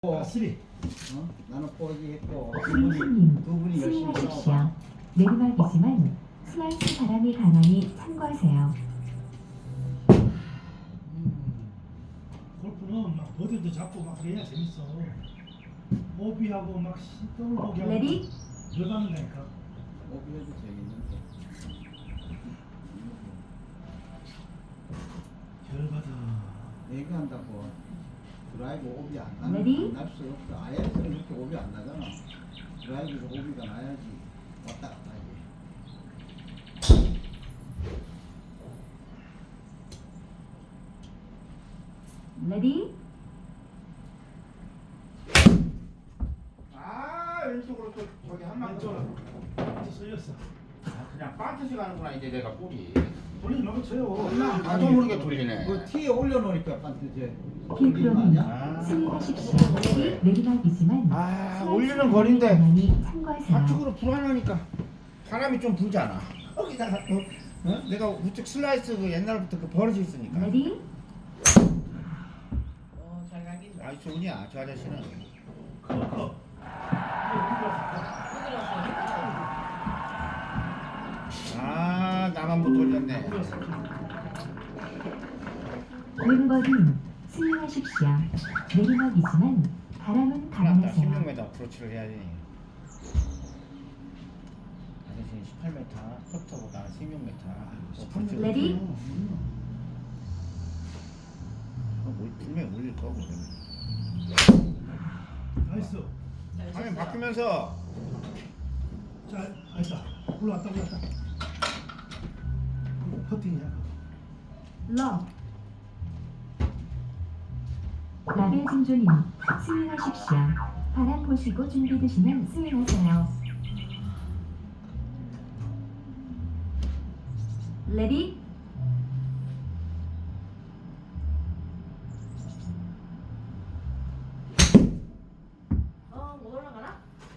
쓰리. 나는 포기했고 수인님, 두 분이 열심히 수인하십시오. 내리막이지만 슬라이스 바람이 강하니 참고하세요. 골프는 막 버디도 잡고 막 그래야 재밌어. 오비하고 막 더블 보기하고 레디? 열받는다니까. 오비해도 재밌는데 열받아. 얘기한다고 드라이브 오비 레디? 안날 수 없어. 아이언스는 이렇게 오비 안 나잖아. 드라이브에서 오비가 나야지 왔다 갔다 하지. 레디? 아 왼쪽으로 또 저기 한 방 더. 왼쪽으로 쏠렸어. 그냥 빠트시 가는구나 이제 내가 볼이. 돌리지 말고 쳐요. 나도 모르게 돌리네. 그 티에 올려놓으니까 반트 이제 킹크로님, 아. 수인하십시오. 내리막이지만 아, 슬라이스 올리는 바람이 거리인데. 강하니 참고하세요. 좌측으로 불안하니까 바람이 좀 불잖아. 거기다가 내가 우측 슬라이스 그 옛날부터 그 버릇이 있으니까. 레디? 잘 가긴. 아 좋으냐 저 아저씨는. 커. 아 나만 못 돌렸네. 왼버딘, 수인하십시오. 내리막이지만 바람은 큰일났다. 강하세요. 16m 어프로치를 해야지. 아저씨는 18m, 퍼터보다 16m. 레디? 분명히 올릴 거고. 나이스. 화면 바뀌면서 자, 아니다. 올라왔다. 퍼팅이야. 러 라벨 진조님, 스윙하십시오. 바람 보시고 준비되시면 스윙하세요. 레디? 못 올라가나?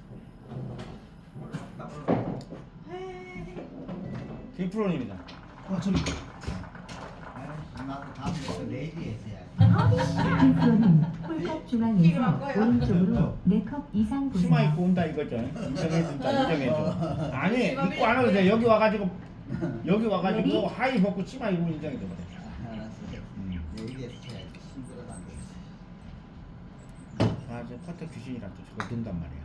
김프로님이다. 저기. 나도 다음부터 레디에서 해야지. 킹프로님, 홀컵 중앙에서 오른쪽으로 4컵 이상 치마 보세요. 입고 온다 이거죠. 인정해줘. 아니 입고 안 와도 돼. 여기 와가지고 레디? 하이 벗고 치마 입고 인정해줘 그래. 알았어. 레디에서 해야지. 힘들어도 안 되겠어. 아저 퍼터 귀신이라 또 저거 든단 말이야.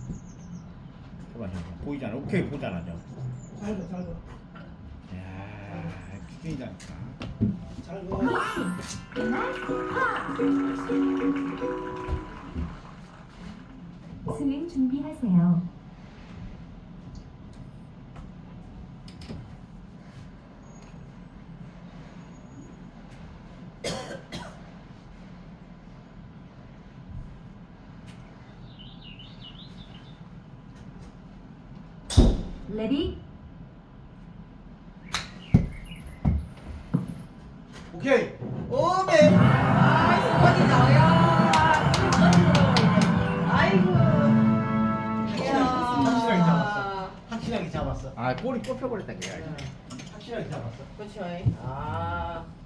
저봐 보이잖아. 오케이 보잖아 저. 잘 가. 야 귀신이다니까. 잘 가. 스윙 준비하세요. 레디? 오케이. 오메. 어디 나와요? 아이고. 확실하게 잡았어. 확실하게 잡았어. 아 꼬리 꼽혀버렸다 그래. 확실하게 잡았어. 그렇죠. 아.